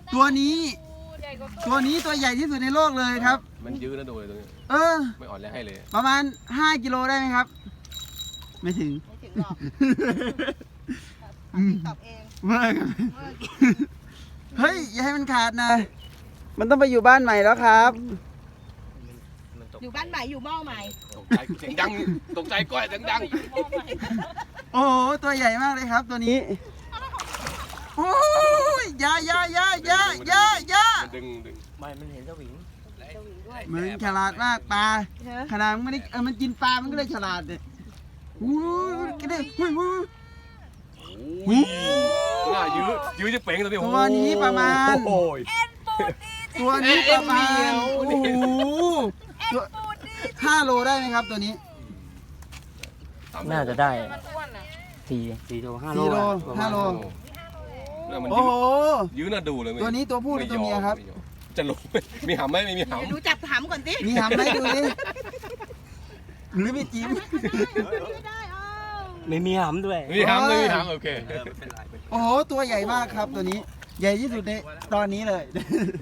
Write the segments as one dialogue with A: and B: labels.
A: ตัวนี้ตัวใหญ่ที่สุดในโลกเลยครับ
B: มันยืดนะดูเลยตรงนี้ไม่อ่อนแรงให้เลย
A: ประมาณ5 กิโลได้ไหมครับไม่ถึง
C: หรอกตอบเอง
A: เมื่อเฮ้ยอย่าให้มันขาดนะมันต้องไปอยู่บ้านใหม่แล้วครับ
C: อยู่บ้านใหม่อยู่หม้อใหม่
B: ตกใจเสียงดังตกใจก้อยเสียงดัง
A: โอ้โหตัวใหญ่มากเลยครับตัวนี้โอ้ยยา
B: ดึง
D: ไม่มันเห็นสวิง
A: มันฉลาดมากปลาขนาดมันไม่ได้มันกินปลามันก็ได้ฉลาดเนี่ยอู้กระเด็น
B: น่ายื้อจะเป่งตัวนี้
A: ตัวนี้ประมาณตัวนี้ประมาณโอ้โห5 โลได้ไหมครับตัวนี้
D: น่าจะได้4 โล 5 โล
A: 5 โล
B: โอ้โหยื้อน่าดูเลย
A: ตัวนี้ตัวผู้หรือตัวเมียครับ
B: จะลงมีหำไหมไม่มีหำ
C: ดูจับหำก่อนสิ
A: มีหำไหมดูดิหรือมีจิ้ม
D: ไม่มีหำด้วย
B: มีหำโอเค
A: โอ้โหตัวใหญ่มากครับตัวนี้ใหญ่ที่สุดในตอนนี้เลย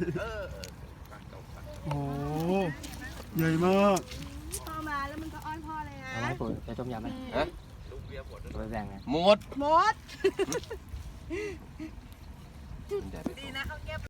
A: โอ้ใหญ่มาก
C: พ่อมาแล้วมันก็อ้อนพ่อเลยนะ
D: เอาไว้ปุ๋ยจะต้มยำไหมไปแบ่งไง
B: หมด
C: ดีนะเขาเก็บ